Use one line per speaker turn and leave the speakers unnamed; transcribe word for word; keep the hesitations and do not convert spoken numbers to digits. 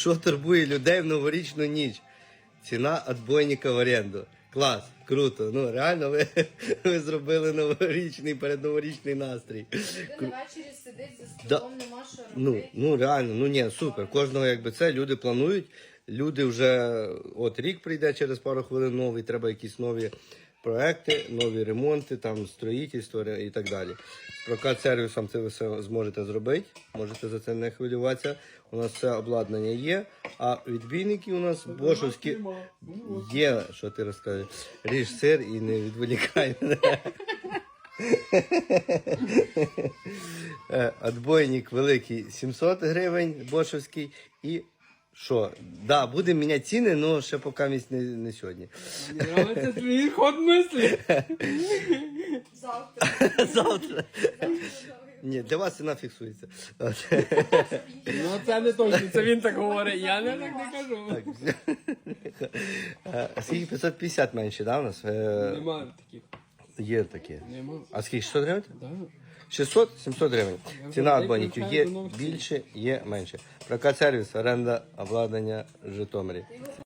Що турбує людей в новорічну ніч? Ціна відбойника в оренду. Клас, круто. Ну реально ви, ви зробили новорічний, передноворічний настрій.
Людина ввечері сидить за
Да.
столом, нема що
Ну,
робити.
ну реально, ну ні, супер. Кожного якби це люди планують. Люди вже от рік прийде через пару хвилин новий, треба якісь нові проекти, нові ремонти, там строїтельство і так далі. З прокат сервісом це ви все зможете зробити, можете за це не хвилюватися. У нас все обладнання є, а відбійники у нас бошовські є, що ти розкажеш. Ріж сир і не відволікай мене. Отбойник великий сімсот гривень, бошовський. І що? Да, будемо міняти ціни, але ще поки місць не, не сьогодні.
Мені нравиться твій ход мислі.
Завтра.
Завтра. Ні, для вас ціна фіксується. От.
Ну це не точно, це він так говорить, я не так не кажу.
Так. А скільки п'ятсот п'ятдесят менше, да, у нас? Е,
Нема таких.
Є такі.
Нема.
А скільки, шістсот гривень?
Да.
шістсот сімсот гривень.
Я
Ціна
вже
отбойників є
привикаю до нових цін.
більше, є менше. Прокат сервіс, оренда, обладнання в Житомирі.